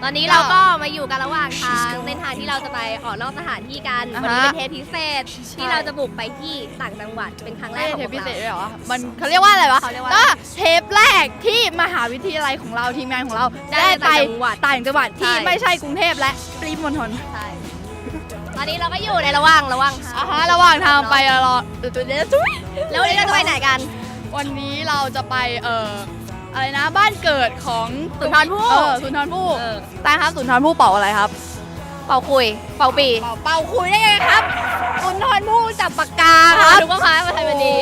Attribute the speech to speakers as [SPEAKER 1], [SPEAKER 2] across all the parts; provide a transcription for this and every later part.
[SPEAKER 1] อนนี้เราก็มาอยู่กันระหว่างทางเส้นทางที่เราจะไปออกนอกสถานที่กันวันนี้เป็นเทปพิเศษที่เราจะบุกไปที่ต่างจังหวัดเป็นครั้งแรกของพวกเรา
[SPEAKER 2] เทปพิเศษด้วยเหรอมันเขาเรียกว่าอะไรวะก็เทปแรกที่มหาวิทยาลัยของเราทีมงานของเราได้ไปต่างจังหวัดที่ไม่ใช่กรุงเทพและปริมณฑล
[SPEAKER 1] ใช่ตอนนี้เราก็อยู่ในระหว่างทาง
[SPEAKER 2] ระหว่างทางไปรอ
[SPEAKER 1] แล้ววันนี้เราจะไปไหนกัน
[SPEAKER 2] วันนี้เราจะไปอะไรนะบ้านเกิดของ
[SPEAKER 1] สุนทรภู่
[SPEAKER 2] สุนทรภู่ตาครับสุนทรภู่เป่าอะไรครับ
[SPEAKER 1] เป่าคุยเป่าปี
[SPEAKER 2] เป่าคุยได้ไงครับสุนทรภู่จับปากกาครับ
[SPEAKER 1] ดูว่าค้ามาไทยวันนี้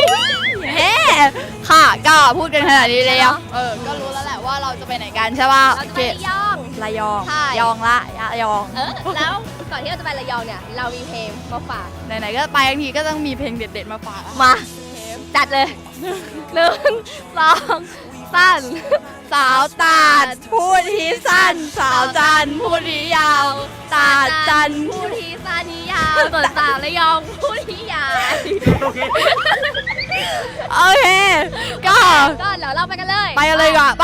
[SPEAKER 2] ค่ะก็พูดกันขนาดนี้แล้วก็รู้แล้วแหละว่าเราจะไปไหนกันใช่ป่ะ
[SPEAKER 1] เราจะไประยอง
[SPEAKER 2] ยองละระยอง
[SPEAKER 1] แล้วก่อนที่เราจะไประยองเนี่ยเรามีเพลงมาฝาก
[SPEAKER 2] ไหนๆก็ไปทั้งทีก็ต้องมีเพลงเด็ดๆมาฝาก
[SPEAKER 1] มาจัดเลย1 2 3
[SPEAKER 2] สาวตาดพูดทีสั้นสาวจันพูดทียาวตาดจัน
[SPEAKER 1] พูดทีสั้นทียาวส่วนสาวระยองพูดทียาว
[SPEAKER 2] โอเคก็
[SPEAKER 1] เดี๋ยวเราไปกันเลย
[SPEAKER 2] ก่อนไป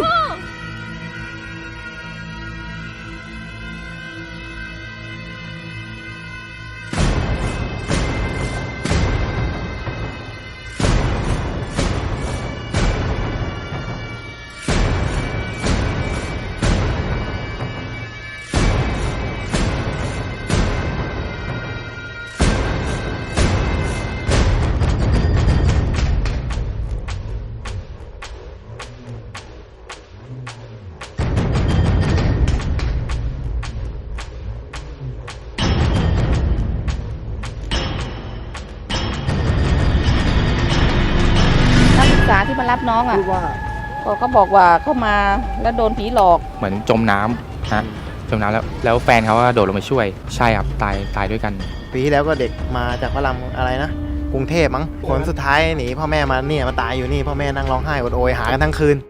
[SPEAKER 3] ที่มารับน้องอ่ะเขาบอกว่าเข้ามาแล้วโดนผีหลอก
[SPEAKER 4] เหมือนจมน้ำนะจมน้ำแล้วแฟนเขาก็โดดลงไปช่วยใช่ครับตายด้วยกัน
[SPEAKER 5] ปีที่แล้วก็เด็กมาจากพระรามอะไรนะกรุงเทพมั้งผลสุดท้ายหนีพ่อแม่มาเนี่ยมาตายอยู่นี่พ่อแม่นั่งร้องไห้อดโอยหากันทั้งคืน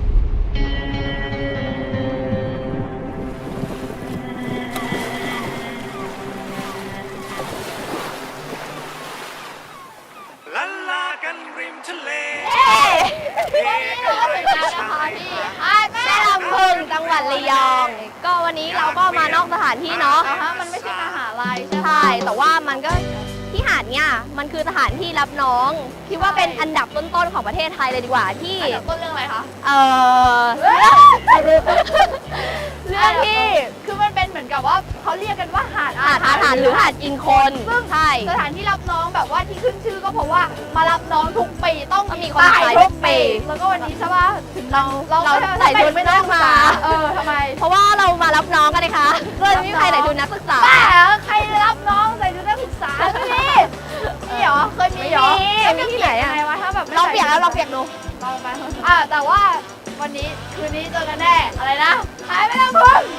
[SPEAKER 1] จังหวัดระยองก็วันนี้เราก็มานอกสถานที่เนาะ
[SPEAKER 2] มันไม่ใช่มหาลัย
[SPEAKER 1] ใช่แต่ว่ามันก็ที่หาดเนี่ยมันคือสถานที่รับน้องคิดว่าเป็นอันดับต้นๆของประเทศไทยเลยดีกว่าที่
[SPEAKER 2] ต้นเรื่องอะไรคะ
[SPEAKER 1] เรื่องที่
[SPEAKER 2] คือมันเป็นเหมือนกับว่าเขาเรียกกันว่าหาด
[SPEAKER 1] หรือหาดกินคน
[SPEAKER 2] ซึ่งสถานที่รับน้องแบบว่าที่ขึ้นชื่อก็เพราะว่ามารับน้องทุกปีต้อง
[SPEAKER 1] มีคนตายทุกปี
[SPEAKER 2] แล้วก็วันนี้ใช่ป่ะถึงเรา
[SPEAKER 1] ใส่ชุดไม่ต้องมา
[SPEAKER 2] ทำไม
[SPEAKER 1] เพราะว่าเรามารับน้องกันเลยค่ะก็ไม่มีใครใส่ชุดนักศึกษา
[SPEAKER 2] ใครรับน้องใส่ชุดนักศึกษานี่เหรอเคยมีเหรอ
[SPEAKER 1] มีที่ไหนอะ
[SPEAKER 2] ถ้าแบบ
[SPEAKER 1] ลองเปียกแล้วลองเปียกดู
[SPEAKER 2] ลองไปแต่ว่าวันนี้คืนนี้เจอกันแน่อะไรนะหายไปแล้วพึ่ง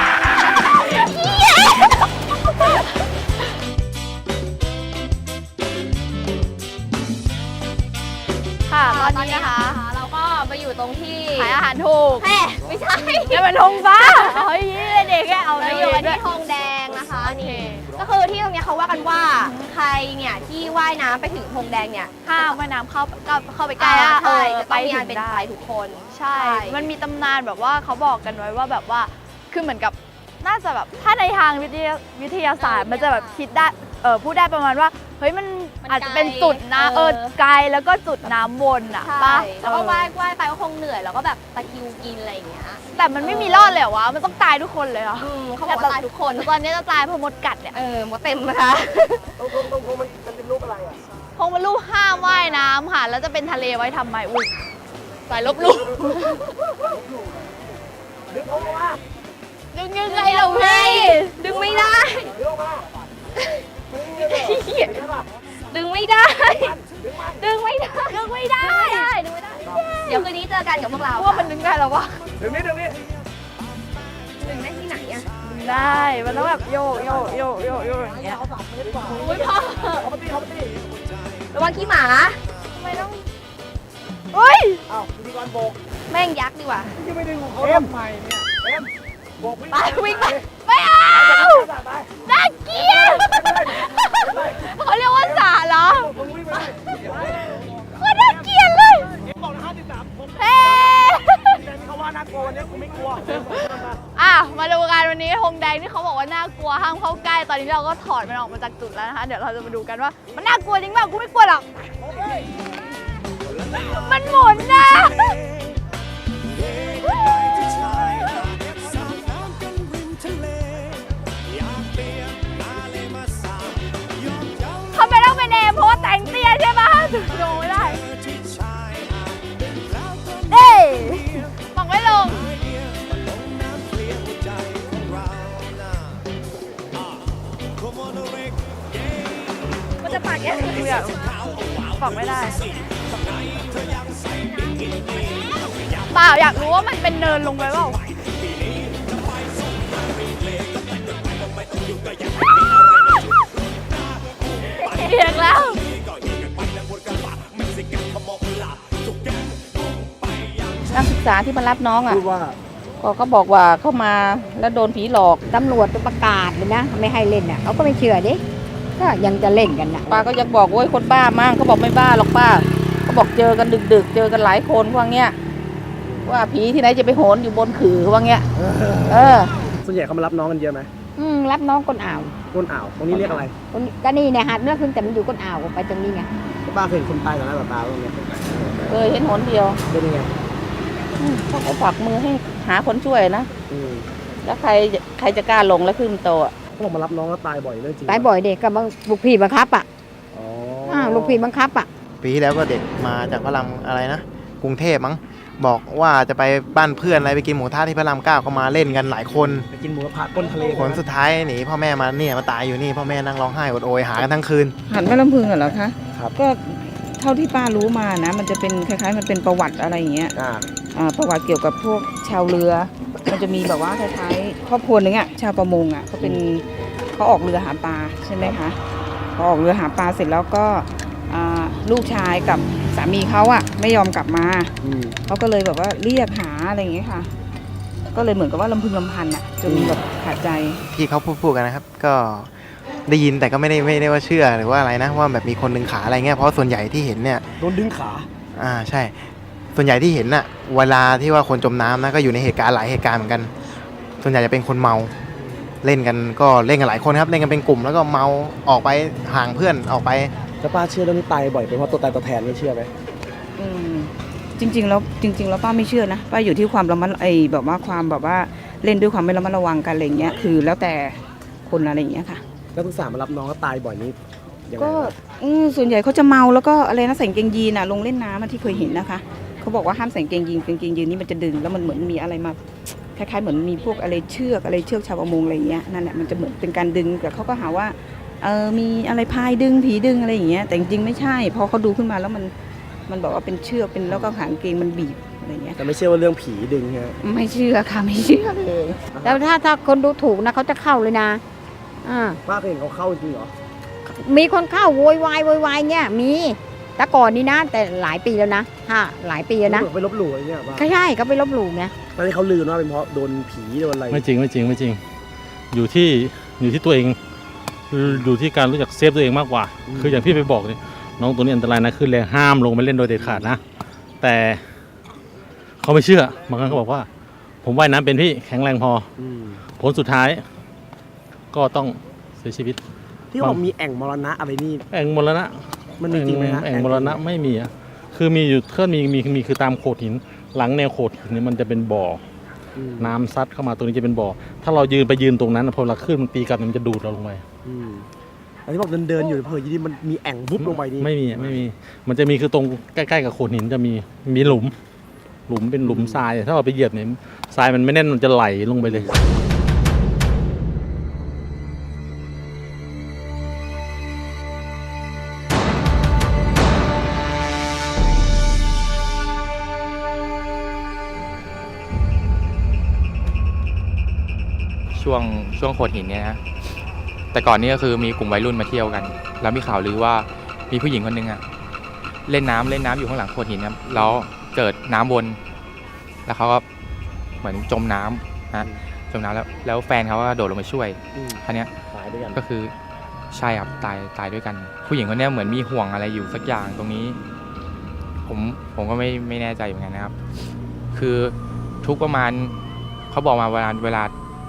[SPEAKER 1] ค่ะตอนนี้นะคะเราก็มาอยู่ตรงที่
[SPEAKER 2] ขายอาหารถูก
[SPEAKER 1] ไม่ใช่
[SPEAKER 2] จะเป็นธงฟ้าเฮ้ยเด็กแค่เอา
[SPEAKER 1] เราอยู่ที่ทองแดงนะคะนี่ก็คือที่ตรงนี้เขาว่ากันว่าใครเนี่ยที่ว่ายน้ำไปถึงธงแดงเนี่ย
[SPEAKER 2] ห้ามว่ายน้ำเข้าไปใกล้
[SPEAKER 1] จะไปงานเป็นไทยทุกคน
[SPEAKER 2] ใช่มันมีตำนานแบบว่าเขาบอกกันไว้ว่าแบบว่าคือเหมือนกับน่าจะแบบถ้าในทางวิทยาศาสตร์มันจะแบบคิดได้พูดได้ประมาณว่าเฮ้ยมันอาจจะเป็นจุดนะไกลแล้วก็จุดน้ำวนอ่ะป่ะ
[SPEAKER 1] แล้วก็ว่ายไปก็คงเหนื่อยแล้วก็แบบตะคิวกินอะไรอย่างเงี้ย
[SPEAKER 2] แต่มันไม่มีรอดเลยวะมันต้องตายทุกคนเลยเหรอ
[SPEAKER 1] เขาบอกตายทุกคน
[SPEAKER 2] ตอนนี้จะตายเพราะมดกัดเนี่ย
[SPEAKER 1] มดเต็มนะคะ
[SPEAKER 5] ตรงมันเป็นรูปอะไรอ่ะ
[SPEAKER 2] คงเป็นรูปห้ามว่ายน้ำค่ะแล้วจะเป็นทะเลไว้ทำไมอุ้ยสายลบลู่
[SPEAKER 5] ดึงออกมา
[SPEAKER 2] ดึงยังไงเราพี่
[SPEAKER 1] ดึงไม่ได้ดึงไม่ได้ดึงไม่ได้เดี๋ยวคืนนี้เจอกันกับพวกเรา
[SPEAKER 2] ว่ามันดึงได้หรอวะ
[SPEAKER 5] ดึงได้
[SPEAKER 1] ที่ไหนอะ
[SPEAKER 2] ดึงได้มันต้องแบบโยกอย่างเงี้ย
[SPEAKER 1] อุ้ยพ่อระวังขี้หมา
[SPEAKER 2] ทำไมต้องเฮ้ย
[SPEAKER 5] พิธีกรโบก
[SPEAKER 1] แม่งยักษ์ดีกว่า
[SPEAKER 5] ที่ไม่ดึงของเขาทำไมเนี่ยโบก
[SPEAKER 2] วิ่งไปไม่เอาน่าเกลียดเขาเรียกว่าสาเหรอโคตรน่าเกลียดเลย
[SPEAKER 5] บอกนะ53ผม
[SPEAKER 2] เฮ้
[SPEAKER 5] แต่เขาว่าน่ากลัววันนี้กูไม่กลัว
[SPEAKER 2] วันนี้ธงแดงที่เขาบอกว่าน่ากลัวห้ามเข้าใกล้ตอนนี้เราก็ถอดมันออกมาจากจุดแล้วนะคะเดี๋ยวเราจะมาดูกันว่ามันน่ากลัวจริงเปล่ากูไม่กลัวหรอกมันหมุนนะเขาไม่ต้องเป็นเอเพราะว่าแต่งเตี้ยใช่ปะถึงลงไม่ได้เอ้ยบอกไม่ลงมันจะปากแย่เลยบอกไม่ได้เปล่าอยากรู้ว่ามันเป็นเนินลงไปเปล่าเอียงแล้ว
[SPEAKER 3] นักศึกษาที่มารับน้องอ่ะ
[SPEAKER 6] พูดว่า
[SPEAKER 3] ก็บอกว่าเข้ามาแล้วโดนผีหลอก
[SPEAKER 7] ตำรวจประกาศเลยนะไม่ให้เล่นน่ะเขาก็ไม่เชื่อดิก็ยังจะเล่นกันน่ะ
[SPEAKER 3] ป้าก็ยังบอกโอ้ยคนบ้ามั่งเขาบอกไม่บ้าหรอกป้าเขาบอกเจอกันดึกๆเจอกันหลายคนว่าเงี้ยว่าผีที่ไหนจะไปโหนอยู่บนขื่อว่าเงี้ย
[SPEAKER 6] ส่วนใหญ่เขามารับน้องกันเยอะไหม
[SPEAKER 7] รับน้องก้นอ่าว
[SPEAKER 6] ก้นอ่าวตรงนี้เรียกอะไร
[SPEAKER 7] ก็นี่เนี่ยหาดเลือกขึ้นแต่มันอยู่ก้นอ่าวไปตรงนี้ไง
[SPEAKER 6] ป้าเคยเห็นคนตายต่อหน้าต่อตาตรงนี้
[SPEAKER 3] เคยเห็นหนเดียว
[SPEAKER 6] เป็นยังไง
[SPEAKER 3] เขาฝากมือให้หาคนช่วยนะแล้วใครจะกล้าลงแล้วขึ้นโตะ
[SPEAKER 6] เขาบอกมารับน้องแล้วตายบ่อยเรื่องจริง
[SPEAKER 7] ตายบ่อยเด็กกับลูกพี่บังคับอ่ะ
[SPEAKER 6] อ๋อ
[SPEAKER 7] ลูกพี่บังคับอ่ะ
[SPEAKER 5] ปีที่แล้วก็เด็กมาจากพระรามอะไรนะกรุงเทพมั้งบอกว่าจะไปบ้านเพื่อนอะไรไปกินหมูทะที่พระราม 9ก็มาเล่นกันหลายคน
[SPEAKER 6] ไปกินหมูกระทะก้นทะเล
[SPEAKER 5] ผลสุดท้ายหนีพ่อแม่มาเนี่ยมาตายอยู่นี่พ่อแม่นั่งร้องไห้อดโอยหากันทั้งคืน
[SPEAKER 3] หันแม่ลำพึงเหรอคะก็เท่าที่ป้ารู้มานะมันจะเป็นคล้ายๆมันเป็นประวัติอะไรอย่างเงี้ยประวัติเกี่ยวกับพวกชาวเรือมันจะมีแบบว่าคล้ายๆครอบครัวนึงอ่ะชาวประมงอ่ะเขาออกเรือหาปลาใช่ไหมคะพอออกเรือหาปลาเสร็จแล้วก็ลูกชายกับสามีเขาอ่ะไม่ยอมกลับมาเขาก็เลยแบบว่าเรียกหาอะไรอย่างเงี้ยค่ะก็เลยเหมือนกับว่าลำพึงลำพันอ่ะจนแบบขาดใจ
[SPEAKER 5] ที่เขาพูดกันนะครับก็ได้ยินแต่ก็ไม่ได้ว่าเชื่อหรือว่าอะไรนะว่าแบบมีคนดึงขาอะไรเงี้ยเพราะส่วนใหญ่ที่เห็นเนี่ย
[SPEAKER 6] โดนดึงขา
[SPEAKER 5] ใช่ส่วนใหญ่ที่เห็นน่ะเวลาที่ว่าคนจมน้ำนะก็อยู่ในเหตุการณ์หลายเหตุการณ์เหมือนกันส่วนใหญ่จะเป็นคนเมาเล่นกันก็เล่นกันหลายคนครับเล่นกันเป็นกลุ่มแล้วก็เมาออกไปห่างเพื่อนออกไป
[SPEAKER 6] แล้วป้าเชื่อเรื่องนี้ตายบ่อยเป็นเพราะตัวตายตัวแทนไม่เชื่อไหม
[SPEAKER 3] จริงๆแล้วป้าไม่เชื่อนะป้าอยู่ที่ความระมัดแบบว่าความแบบว่าเล่นด้วยความไม่ระมัดระวังกันอะไรเงี้ยคือแล้วแต่คนอะไรอย่างเงี้ยค่ะ
[SPEAKER 6] นักศึกษามารับน้องก็ตายบ่อยนี้
[SPEAKER 3] ก็ส่วนใหญ่เขาจะเมาแล้วก็อะไรนะใส่กางเกงยีนลงเล่นน้ำที่เคยเห็นนะคะเขาบอกว่าห้ามใส่กางเกงยีนนี่มันจะดึงแล้วมันเหมือนมีอะไรมาคล้ายๆเหมือนมีพวกอะไรเชือกชาวประมงอะไรเงี้ยนั่นแหละมันจะเหมือนเป็นการดึงแต่เขาก็หาว่ามีอะไรพายดึงผีดึงอะไรอย่างเงี้ยแต่จริงๆไม่ใช่พอเขาดูขึ้นมาแล้วมันบอกว่าเป็นเชือกเป็นแล้วก็หางเกงมันบีบอะไรเงี้ย
[SPEAKER 6] แต่ไม่เชื่อว่าเรื่องผีดึงใช่ไหม
[SPEAKER 3] ไม่เชื่อค่ะไม่เชื่อเลย
[SPEAKER 7] แล้วถ้าคนดูถูกนะเขาจะเข้าเลยนะ
[SPEAKER 6] ป้าเคยเห็นเขาเข้าจริงเหรอ
[SPEAKER 7] มีคนเข้าโวยวายเนี่ยมีแต่ก่อนนี้นะแต่หลายปีแล้วนะหลายปีแล้วนะ
[SPEAKER 6] ไปลบหลู่อะไรเงี้ยป้า
[SPEAKER 7] ใช่เขาไปลบหลู่ไง
[SPEAKER 6] ตอนนี้เขาลือว่าเป็นเพราะโดนผีโดนอะไร
[SPEAKER 8] ไม่จริงอยู่ที่ตัวเองอยู่ที่การรู้จักเซฟตัวเองมากกว่าคืออย่างพี่ไปบอกเนี่ยน้องตัวนี้อันตรายนะขึ้นแรงห้ามลงไปเล่นโดยเด็ดขาดนะแต่เขาไม่เชื่อบางครั้งเขาบอกว่าผมว่ายน้ำเป็นพี่แข็งแรงพอผลสุดท้ายก็ต้องเสียชีวิต
[SPEAKER 6] ที่บอกมีแอ่งมรณะอะไรนี่
[SPEAKER 8] แอ่งมรณะ
[SPEAKER 6] มันจริงไหมฮะ
[SPEAKER 8] แอ่งมรณะไม่มีอ่ะคือมีอยู่เคลื่อนมีคือตามโขดหินหลังแนวโขดหินนี่มันจะเป็นบ่อน้ำซัดเข้ามาตรงนี้จะเป็นบ่อถ้าเรายืนตรงนั้นพอเราขึ้นมันตีกลับมันจะดูดเราลงไป
[SPEAKER 6] อันที่บอกเดินอยู่เพอยี่นี่มันมีแอ่งวุบลงไปนี่
[SPEAKER 8] ไม่มีมันจะมีคือตรงใกล้ๆกับโขดหินจะมีหลุมเป็นหลุมทรายถ้าเราไปเหยียบเนี่ยทรายมันไม่แน่นมันจะไหลลงไปเลย
[SPEAKER 4] ช่วงโขดหินเนี่ยนะแต่ก่อนนี้ก็คือมีกลุ่มวัยรุ่นมาเที่ยวกันแล้วมีข่าวลือว่ามีผู้หญิงคนนึงเล่นน้ำอยู่ข้างหลังโขดหินครับแล้วเกิดน้ำวนแล้วเขาก็เหมือนจมน้ำจมน้ำแล้วแฟนเขาก็โดดลงไปช่วยคราวนี้ก็คือใช่ครับตายด้วยกันผู้หญิงคนนี้เหมือนมีห่วงอะไรอยู่สักอย่างตรงนี้ผมก็ไม่แน่ใจเหมือนกันนะครับคือทุกประมาณเขาบอกมาเวลา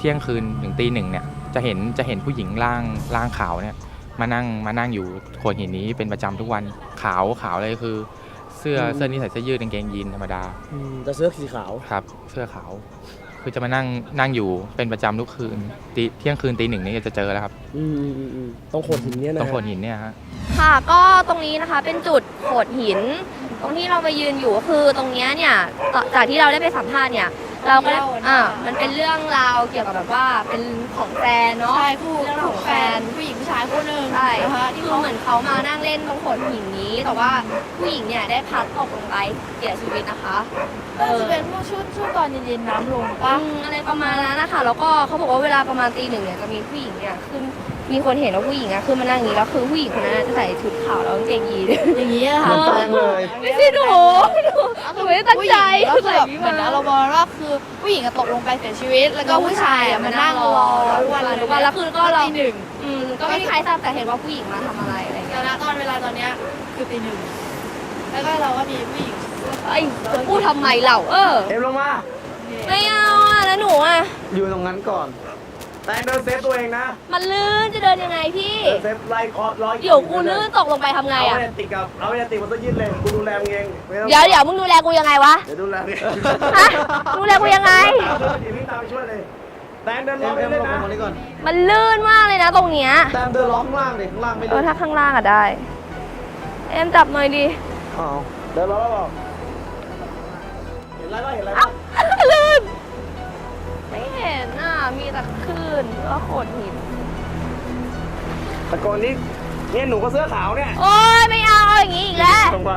[SPEAKER 4] ที่ยงคืนถึงตี 1เนี่ยจะเห็นผู้หญิงร่างขาวเนี่ยมานั่งอยู่โขดหินนี้เป็นประจำทุกวันขาวเลยคือเสื้อนี้ใส่เสื้อยืดกางเกงยีนธรรมดา
[SPEAKER 6] จะเสื้อสีขาว
[SPEAKER 4] ครับเสื้อขาวคือจะมานั่งอยู่เป็นประจำทุกคืนเที่ยงคืนตี 1นี่จะเจอแล้วครับ
[SPEAKER 6] ต้องโขดหินเนี่ยนะ
[SPEAKER 4] ตรงโขดหินเนี่ยฮะ
[SPEAKER 1] ค่ะก็ตรงนี้นะคะเป็นจุดโขดหิน ตรงที่เราไปยืนอยู่ก็คือตรงเนี้ยเนี่ยจากที่เราได้ไปสัมภาษณ์เนี่ยเราก็ได้มันเป็นเรื่องราวเกี่ยวกับแบบว่าเป็นของแฟนเนาะ
[SPEAKER 2] ใช่คู่
[SPEAKER 1] เรื่องของแฟน
[SPEAKER 2] ผู้หญิงผู้ชายคู่หนึ่ง
[SPEAKER 1] ใช่
[SPEAKER 2] นะคะที่
[SPEAKER 1] คือ
[SPEAKER 2] เขา
[SPEAKER 1] เหมือนเขามานั่งเล่นตรงโขดหินนี้ แต่ว่าผู้หญิงเนี่ยได้พลัดตกลงไปเสียชีวิตนะคะ
[SPEAKER 2] น่าจะเป็นพวกช่วงตอนเย็นๆน้ำลงปะ
[SPEAKER 1] อะไรประมาณนั้นนะคะแล้วก็เขาบอกว่าเวลาประมาณตี 1เนี่ยจะมีผู้หญิงเนี่ยขึ้นมีคนเห็นว่าผู้หญิงอะขึ้นมานั่งอย่างนี้แล้วคือผู้หญิงคนนั้นจะใส่ชุดขาวแล้วกางเกงยีน
[SPEAKER 2] อย่างนี้อะค่ะ
[SPEAKER 6] แปลงเลย
[SPEAKER 1] ไม่ใช่หนูไม่ได้ตั้งใจ
[SPEAKER 2] ก็คือแบบเหมือนอารมณ์ว่าคือผู้หญิงตกลงไปเสียชีวิต แล้วก็ผู้ชายมานั่งรอทุกวัน
[SPEAKER 1] แล้วคือก็เรา
[SPEAKER 2] ตี 1
[SPEAKER 1] ก็ไม่มีใครทราบแต่เห็นว่าผู้หญิงมาทำอะไรอะไร
[SPEAKER 2] แต่
[SPEAKER 1] เงี้ย
[SPEAKER 2] ณตอนเวลาตอนเนี้ยคือตี 1แล้วก็เราก็มีผู้หญิง
[SPEAKER 1] ไอ้จะพูดทำไมเรา
[SPEAKER 6] เอ็มลงมา
[SPEAKER 1] ไม่เอาอะแล้วหนูอะ
[SPEAKER 6] อยู่ตรงนั้นก่อน แต่เดินเซฟตัวเองนะ
[SPEAKER 1] มันลื่นจะเดินยังไงพี่
[SPEAKER 6] เดินเซฟไล่คอร้อย
[SPEAKER 1] เดี๋ยวกูลื่นตกลงไปทำไงอะ
[SPEAKER 6] เอาไปติดมันต้องยืดเลยกูดูแลมึงเองไม่ต้อง
[SPEAKER 1] เดี๋ยวมึงดูแลกูยังไงวะ
[SPEAKER 6] เดี๋ยวดูแลเอง
[SPEAKER 1] ฮะดูแลกูยังไง
[SPEAKER 6] เดี๋ยวพี่ตามไปช่วยเลยแต่เดินล้อมไปเลยนะ
[SPEAKER 1] มันลื่นมากเลยนะตรงเนี้ย
[SPEAKER 6] แต่เดินล้อมข้างล่างเลยข้างล่างไม่เลย
[SPEAKER 1] ถ้าข้างล่างอะได้เอ็มจับหน่อยดิ
[SPEAKER 6] อ๋อเดินล้อมแล้วเห็นอะไรบ้างเห็นอะไร
[SPEAKER 1] เอ้า
[SPEAKER 6] บ้าง
[SPEAKER 1] ลื่นไม่เห็นอ่ะมีแต่คลื่นแล้วโขดหิน
[SPEAKER 6] แต่ก่อนนี้เนี่ยหนูก็เสื้อขาวเนี่ย
[SPEAKER 1] โอ๊ยไม่เอาอย่างนี้อีกแล้ว
[SPEAKER 6] ลงมา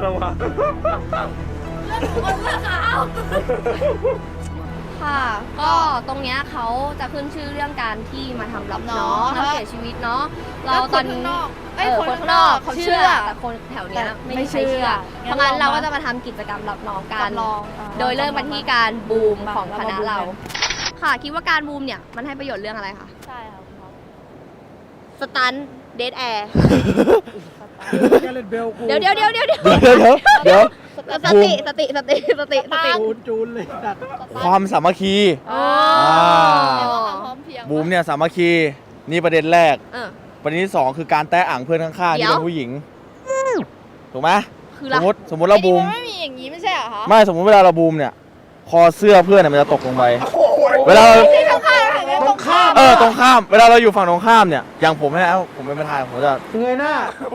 [SPEAKER 1] คนเสื้อขาวค่ะ ก็ตรงเนี้ยเขาจะขึ้นชื่อเรื่องการที่มาทำรับน้องแล้วเสียชีวิตเนาะเราตอนนี้คนข้างนอกเขาเชื่อแต่คนแถวเนี้ยไม่มีใครเชื่อเพราะงั้นเราก็จะมาทำกิจกรรมรับน้องกัน โดยเริ่มมาที่การบูมของคณะเรา ค่ะคิดว่าการบูมเนี่ยมันให้ประโยชน์เรื่องอะไรคะ
[SPEAKER 2] ใช่ค่ะคุณหมอ
[SPEAKER 1] สตันเดทแอร์
[SPEAKER 6] แกเล่นเบลกู
[SPEAKER 1] เดี๋ยว
[SPEAKER 6] เดี๋ยว
[SPEAKER 1] สติ
[SPEAKER 6] จูนเลยตัด
[SPEAKER 9] ความสามัคคี
[SPEAKER 1] อ๋อ
[SPEAKER 2] พร้อมเพรียง
[SPEAKER 9] บูมเนี่ยสามัคคีนี่ประเด็นแรก
[SPEAKER 1] เออ
[SPEAKER 9] ประเด็นที่สองคือการแตะอ่างเพื่อนข้างๆ
[SPEAKER 1] เดี๋
[SPEAKER 9] ที่
[SPEAKER 1] ยว
[SPEAKER 9] เป็นผู้หญิงถูกไหม
[SPEAKER 1] คือ
[SPEAKER 9] ส
[SPEAKER 1] ละ
[SPEAKER 9] มมติเราบูม
[SPEAKER 2] มันไม่มีอย่างนี้ไม่ใช่เหรอคะ
[SPEAKER 9] ไม่สมมติเวลาเราบูมเนี่ยคอเสื้อเพื่อนเนี่ยมันจะตกลงไปเวลาเรา
[SPEAKER 2] ตรงข้ามตรงข้าม
[SPEAKER 9] ตรงข้ามเวลาเราอยู่ฝั่งตรงข้ามเนี่ยอย่างผมเนี่ยผมเป็นประธานผมจะ
[SPEAKER 6] เงยหน้า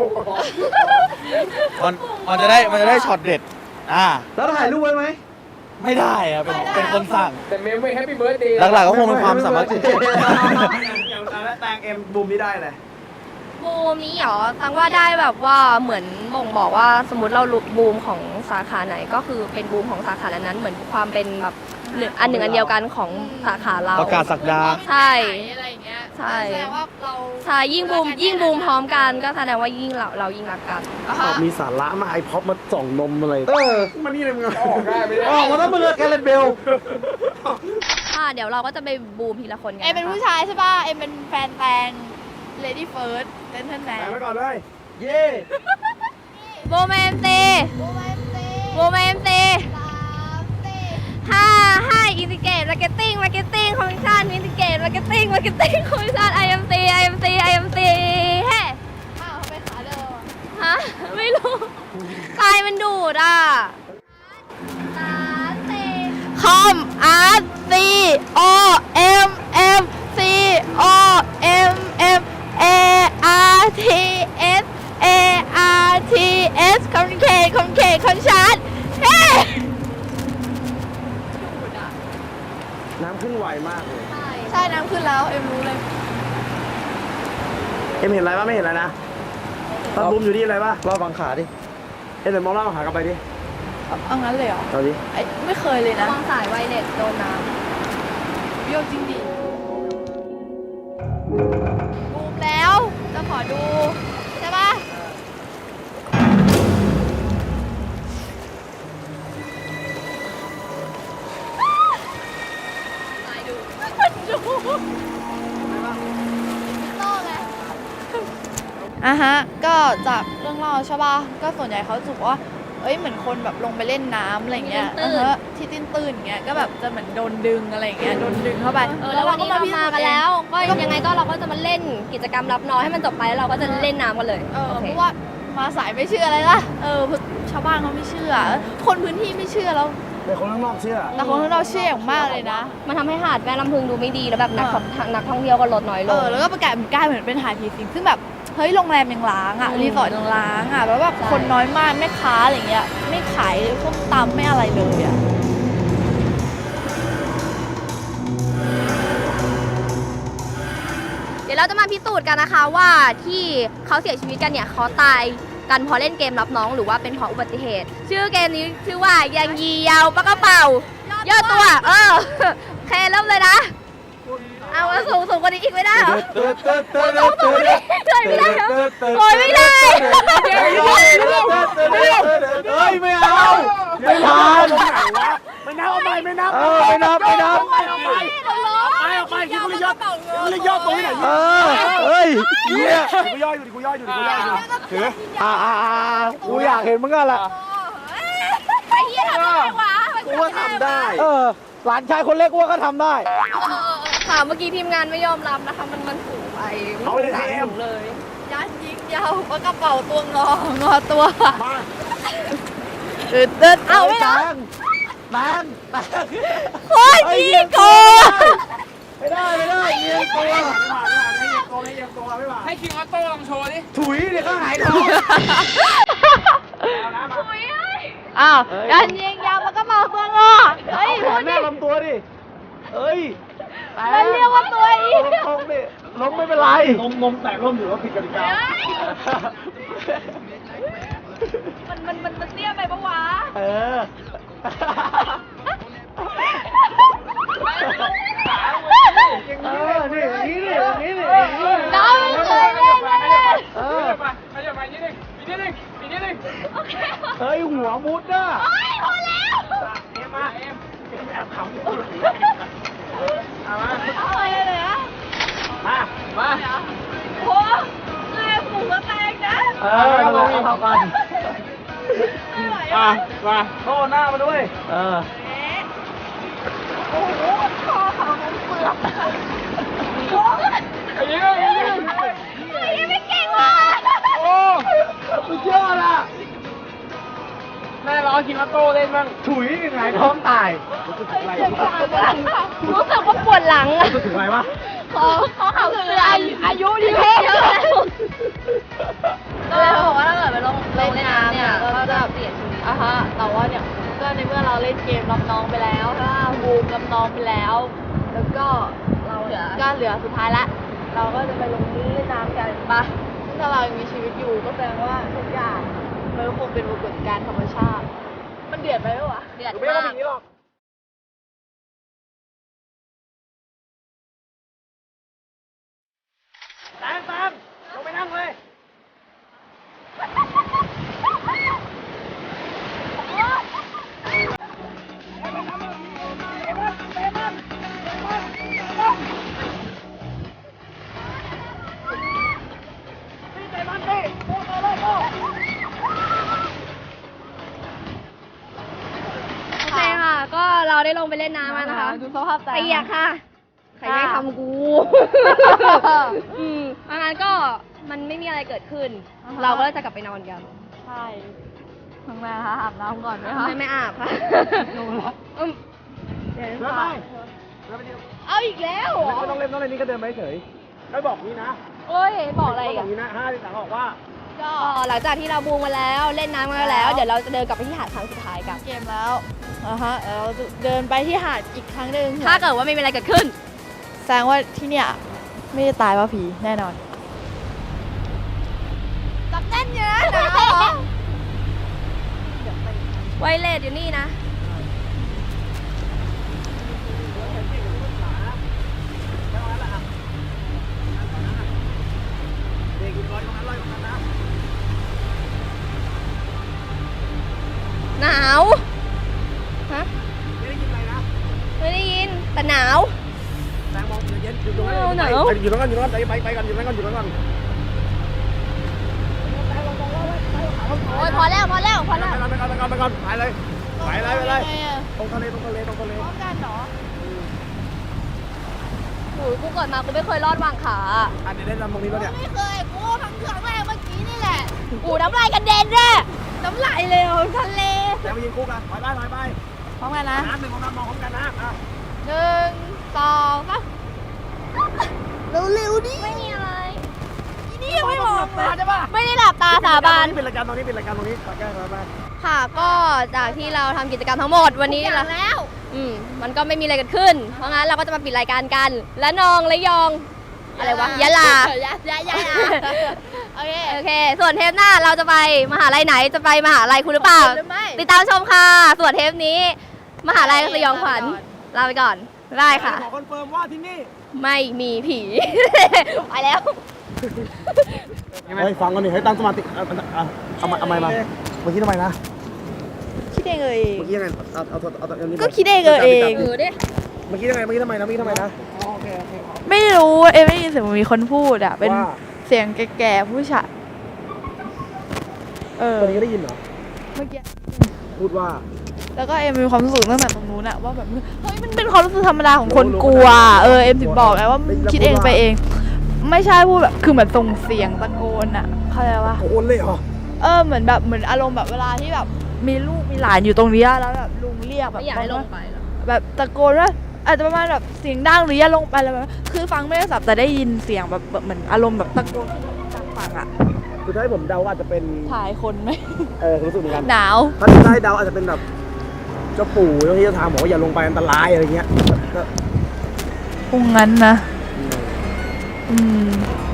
[SPEAKER 9] มันจะได้ช็อตเด็ด
[SPEAKER 6] แล้วถ่ายรูปไว้ไหม
[SPEAKER 9] ไม่ได้ครับเป็นคนสั่ง
[SPEAKER 6] แต่เมมไม่แฮปปี้เบิร์ดเดย์
[SPEAKER 9] หลักๆก็คงเป็นความสามัคคี
[SPEAKER 6] อย่างแล้วแตงเอ็มบูมนี่ได้เลย
[SPEAKER 1] บูมนี้เหรอตังว่าได้แบบว่าเหมือนบ่งบอกว่าสมมติเราบูมของสาขาไหนก็คือเป็นบูมของสาขานั้นๆเหมือนความเป็นแบบอันหนึ่งอันเดียวกันของสาขาเรา
[SPEAKER 9] ประกาศศักดา
[SPEAKER 1] ใช่
[SPEAKER 2] อะไรอย่างเงี้ย
[SPEAKER 1] ใช่
[SPEAKER 2] แสดงว่าเรา
[SPEAKER 1] ใช่ยิ่งบูมพร้อมกันก็แสดงว่ายิ่งเรายิ่งรักกัน
[SPEAKER 6] มีสาระมาไอพ็อปมาส่องนมอะไรมันนี่เลยมึงออกได้ไม่ได้ออกมาแล้วมึงแกเล่นเบล
[SPEAKER 1] ค่ะเดี๋ยวเราก็จะไปบูมทีละคนกัน
[SPEAKER 2] เอ็มเป็นผู้ชายใช่ป่ะ เอ็มเป็นแฟนแตง Lady First เต้นแทน
[SPEAKER 6] ไปก่อนเลยเย่
[SPEAKER 1] บูมเอ็มตีบูมเอ็มตีให้อินทิเกตมาร์เก็ตติ้งคอมมิชชั่นอินทิเกตมาร์เก็ตติ้งคอมมิชชั่น IMC เฮ้
[SPEAKER 2] อ้าวไปขาเดิม
[SPEAKER 1] ฮะไม่รู้ตายมันดูดอ่ะ
[SPEAKER 2] คอม R C O M M C O M M A R T S A R T S คอมมิเคทคอมชาร์ตเฮ้
[SPEAKER 6] น้ำขึ้นไวมากเลย
[SPEAKER 2] ใช่น้ำขึ้นแล้วเอ็มรู้เลย
[SPEAKER 6] เอ็มเห็นอะไรปะไม่เห็นอะไรนะตอนบูมอยู่ที่อะไรปะ
[SPEAKER 9] รอบบังขาดิ
[SPEAKER 6] เอ็มเดี๋ยวมองล่างหากลับไปดิ
[SPEAKER 2] เอางั้นเลยเหรอ
[SPEAKER 6] เอาดิ
[SPEAKER 2] ไอ้ไม่เคยเลยนะ
[SPEAKER 1] วางสายไวเลสโดนน้
[SPEAKER 2] โยกจริงดิบูมแล้ว จะขอดู ใช่ปะอ่ะฮะ ก็จากเรื่องเล่าใช่ป่ะ ก็ส่วนใหญ่เขาจะบอกว่าเหมือนคนแบบลงไปเล่นน้ำอะไรเงี้ยที่ตื้นๆเงี้ยก็แบบจะเหมือนโดนดึงอะไรเงี้ยโดนดึงเข้าไป
[SPEAKER 1] แล้ววันนี้เรามากันแล้ว ก็ยังไงก็เราก็จะมาเล่นกิจกรรมรับน้องให้มันจบไปแล้วเราก็จะเล่นน้ำกันเลย
[SPEAKER 2] เพราะว่ามาสายไม่เชื่ออะไรล่ะชาวบ้านเขาไม่เชื่อ คนพื้นที่ไม่เชื่อแล้ว
[SPEAKER 6] แต่คนข้างนอกเชื่อ
[SPEAKER 2] แต่คนข้างนอกเชื่ออย่างมากเลยนะ
[SPEAKER 1] มันทำให้หาดแม่ลำพึงดูไม่ดีแล้วแบบนักท่องเที่ยวก็ลดน้อยลง
[SPEAKER 2] แล้วก็กลายเหมือนเป็นหาดผีสิงซึ่งแบบเฮ้ยโรงแรมยังล้างอ่ะรีสอร์ทยังล้างอ่ะแล้วแบบคนน้อยมากแม่ค้าอะไรเงี้ยไม่ขายพวกตำไม่อะไรเลยอ่ะ
[SPEAKER 1] เดี๋ยวเราจะมาพิสูจน์กันนะคะว่าที่เขาเสียชีวิตกันเนี่ยเขาตายกันเพราะเล่นเกมรับน้องหรือว่าเป็นเพราะอุบัติเหตุ ชื่อเกมนี้ชื่อว่ายังยียาวปากกระเป๋าย่อตัวโอเคเริ่มเลยนะเอาสูงกว่านี้อีกไม่ได้เหรอสูงดิช่วยไม่ได้เหรอโอ้ยไม่ได้
[SPEAKER 6] เฮ้ยไม่เอาไม่ทานไม่นับเอาไปไม่นับไม่นับไม่นับไปคิดกูเลยยอดตรงนี้ไหนเฮ้ยเนี่ยกูย่ออยู่ดิกูย่ออยู่ถือกูอยากเห็นมึงกันละ
[SPEAKER 1] ไอ้เหี้ยทำได้วะ
[SPEAKER 6] กูว่าทำได้หลานชายคนเล็กกูว่าก็ทำได้
[SPEAKER 1] ค่ะเมื่อกี้ทีมงานไม่ยอมรับนะคะมันสูงไปเขาไม่ได้สูงเลย
[SPEAKER 2] ยันยิงยาวปากกระเป๋าตัวงอตัวตื่นเอาไม่ได้
[SPEAKER 6] แบง
[SPEAKER 2] โคตรยิงโก
[SPEAKER 6] ไม่ได้เยียงตัวให้คิงออโต้ลองโชว์ดิถุยเดี๋ยวก็หายท้อง
[SPEAKER 2] ยันยิงยาวปากกระเป๋าตัวงอเฮ้ยพูดดิ
[SPEAKER 6] ลำตัวดิเอ้ย
[SPEAKER 2] มันเรียกว่าตัวอีก
[SPEAKER 6] ล้มดิล้มไม่เป็นไรนมแตกล้มอยู่ว่าผิดกติกา
[SPEAKER 2] มันเตี้ยไปปะวะ
[SPEAKER 6] นี่
[SPEAKER 2] น้องไม่เคยเล่นเลย
[SPEAKER 6] เฮ้ยหัวมุดอ่ะ
[SPEAKER 2] พอแล้ว
[SPEAKER 6] แอบขำมา
[SPEAKER 2] เลยอ่ะมาโอ้แรงหมูกระแตงนะ
[SPEAKER 6] เราเท่ากันมาโต้หน้ามาด้วย
[SPEAKER 2] โอ้โหคอเขาเปลือกไม่เก่งว่ะ
[SPEAKER 6] โอ้สุดยอดอ่ะแม่ร้องคิงออโต้เล่นบ้างถุยยังไงท้องตายรู้สึก
[SPEAKER 1] ว่าปวดหลัง
[SPEAKER 6] รู้สึกอะไรวะ
[SPEAKER 1] เขาเสื่อมอายุดีเยอะก็เลยบอกว่าถ้าเกิดไปลงน้ำเนี่ยก็จะเปลี่ยนชีวิต
[SPEAKER 2] แต่ว่าเนี่ยก็ในเมื่อเราเล่นเกมรับน้องไปแล้วบูมรับน้องไปแล้วแล้วก็เราเหลือสุดท้ายละเราก็จะไปลงเล่นน้ำกันปะถ้าเรายังมีชีวิตอยู่ก็แสดงว่าทุกอย่างมันคงเป็นปรากฏการณ์ธรรมชาติมันเดือดไปไหมวะ
[SPEAKER 1] เดือด
[SPEAKER 6] มากแตมลงไปนั่งเลย
[SPEAKER 1] ก็เราได้ลงไปเล่นน้ำมานะคะ
[SPEAKER 2] ดูสภาพใจ
[SPEAKER 1] เปียกค่ะใครไม่ทำกูงั้นก็มันไม่มีอะไรเกิดขึ้นเราก็เลยจะกลับไปนอนกัน
[SPEAKER 2] ใช่ทำไมคะอาบน้ำก่อนไหมคะ
[SPEAKER 1] ไม่อาบค่ะ
[SPEAKER 6] ดูแล้ว
[SPEAKER 2] เดี๋ยวเอาอีกแล้ว
[SPEAKER 6] ไม่ต้องเล่นนี่ก็เดินไปเฉยไม่บอกนี้นะ
[SPEAKER 1] เอ้ยบอกอะไร
[SPEAKER 6] กันบอกนี้นะ5ที่ต่างบอกว่า
[SPEAKER 1] ก็หลังจากที่เราบูมมาแล้วเล่นน้ำมาแล้วเดี๋ยวเราจะเดินกลับไปที่หาดครั้งสุดท้ายกัน
[SPEAKER 2] เกมแล้วเราเดินไปที่หาดอีกครั้งหนึ่ง
[SPEAKER 1] ถ้าเกิดว่าไม่มีอะไรเกิดขึ้น
[SPEAKER 2] แสดงว่าที่เนี่ยไม่ได้ตายเพราะผีแน่นอนจับแน่นเยอะนะ
[SPEAKER 1] ไวเลสอยู่นี่นะหนาวฮะไม่ได้ยินอะไรนะไม่ได้ยินแต่หนาว
[SPEAKER 6] แตงมองเย็นอยู่ตรงนั้นหนาวอยู่ตรงนั้นไปก่อนอยู่ตรงนั้นก่อน
[SPEAKER 1] โอ้ยพอแล้ว
[SPEAKER 6] ไปก่อนไปเลยตรงทะเล
[SPEAKER 2] พร้อมกันเหรอ
[SPEAKER 1] โอ้ยกูเกิดมากูไม่เคยรอดวางขา
[SPEAKER 6] อันนี้ได้ลำตรงนี้แล้วเนี่ย
[SPEAKER 2] ไม่เคยกูครั้งแรกเมื่อกี้นี่แหละ
[SPEAKER 1] กูน้ำลายกระเด็นเลยน้ำลายเลยทะเล
[SPEAKER 6] แล้วไปยิงคู่กันไป
[SPEAKER 2] พร้อมกันนะ
[SPEAKER 6] น้ำหนึ่งของน้ำมองพร้อมกันนะ
[SPEAKER 2] 1 2 3เร็วๆดิ
[SPEAKER 1] ไม่มีอะไร
[SPEAKER 2] นี่ยังไม่มองเลย
[SPEAKER 6] ใช่ป่ะ
[SPEAKER 1] ไม่ได้หลับตาสาบาน
[SPEAKER 6] เป็นรายการตรงนี้ขอแก้ไป
[SPEAKER 1] ค่ะก็จากที่เราทำกิจกรรมทั้งหมดวันนี้แล้วมันก็ไม่มีอะไรเกิดขึ้น เพราะงั้นเราก็จะมาปิดรายการกัน และนองและยอง อะไรวะยะลา โอเค ส่วนเทปหน้าเราจะไปมหาลัยไหนจะไปมหาลัยคุณหรือเปล่า
[SPEAKER 2] หรือไม่
[SPEAKER 1] ติดตามชมค่ะ ส่วนเทปนี้ มหาลัยสยองขวัญลาไปก่อนได้ค่ะ
[SPEAKER 6] ขอคอนเฟิร์มว่าที่นี่
[SPEAKER 1] ไม่มีผี ไปแล้ว
[SPEAKER 6] เฮ้ยฟังกันดิให้ตั้งสมาธิเอาไมค์มาเมื่อกี้ทำไมนะ
[SPEAKER 2] คิดเองเอง
[SPEAKER 6] เมื่อกี้ยังไงเอาอันนี้
[SPEAKER 2] ก็คิดเองเอง
[SPEAKER 6] เมื่อกี้ยังไงเมื่อกี้ทำไมนะ
[SPEAKER 2] ไม่รู้ไม่ได้ยินเสียงมีคนพูดอ่ะเป็น
[SPEAKER 6] ว่า
[SPEAKER 2] เสียงแก่ๆผู้ชาย
[SPEAKER 6] ตอนนี้ก็ได้ยินเหรอ
[SPEAKER 2] เมื่อกี้
[SPEAKER 6] พูดว่า
[SPEAKER 2] แล้วก็มีความรู้สึกตั้งแต่ตรงนู้นอะว่าแบบเฮ้ยมันเป็นความรู้สึกธรรมดาของคนกลัวถึงบอกไงว่าคิดเองไปเอง ไม่ใช่พูดแบบคือเหมือนส่งเสียงตะโกนอะเข้าใจปะ
[SPEAKER 6] โอนเลยเหรอ
[SPEAKER 2] เหมือนอารมณ์แบบเวลาที่แบบมีลูกมีหลานอยู่ตรงนี้แล้วแบบลุงเรียกแบบ
[SPEAKER 1] ไม่อยากให้ลงไปหรอ
[SPEAKER 2] แบบตะโกนว่าอาจจะประมาณแบบเสียงดังหรืออย่าลงไปอะไรแบบคือฟังไม่ได้สับแต่ได้ยินเสียงแบบเหมือนอารมณ์แบบตะโกนจากฝั่งอะ
[SPEAKER 6] คือถ้าให้ผมเดาอาจจะเป็น
[SPEAKER 2] ถ่ายคนไหม
[SPEAKER 6] รู้สึกเหมือนกัน
[SPEAKER 2] หนาว
[SPEAKER 6] ถ้าได้เดาอาจจะเป็นแบบเจ้าปู่เจ้าที่เจ้าทางบอกว่าอย่าลงไปอันตรายอะไรเงี้ยก็
[SPEAKER 2] คงงั้นนะ